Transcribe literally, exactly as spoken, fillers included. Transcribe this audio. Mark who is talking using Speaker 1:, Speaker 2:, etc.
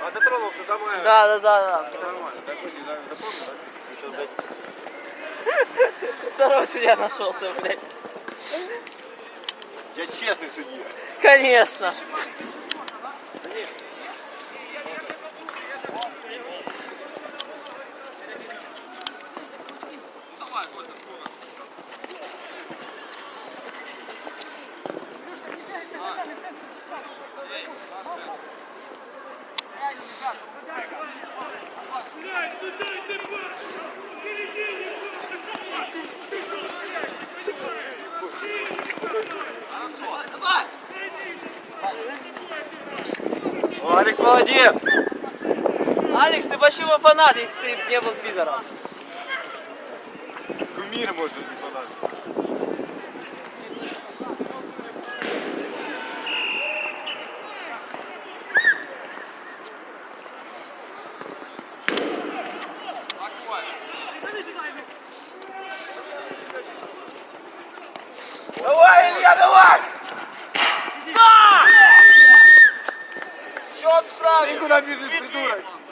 Speaker 1: А дотронулся до моего.
Speaker 2: Да, да, да, да.
Speaker 1: Все нормально. Допустим, запомнил, да? Еще, блядь.
Speaker 2: Второй судья нашелся, блядь.
Speaker 1: Я честный судья.
Speaker 2: Конечно.
Speaker 1: О, Алекс молодец.
Speaker 2: Алекс, ты почему фанат, если ты не был пидором?
Speaker 1: Кумир может быть фанат. Давай, Илья, давай!
Speaker 2: Да!
Speaker 1: Счет правильный! Ты куда бежишь, придурок?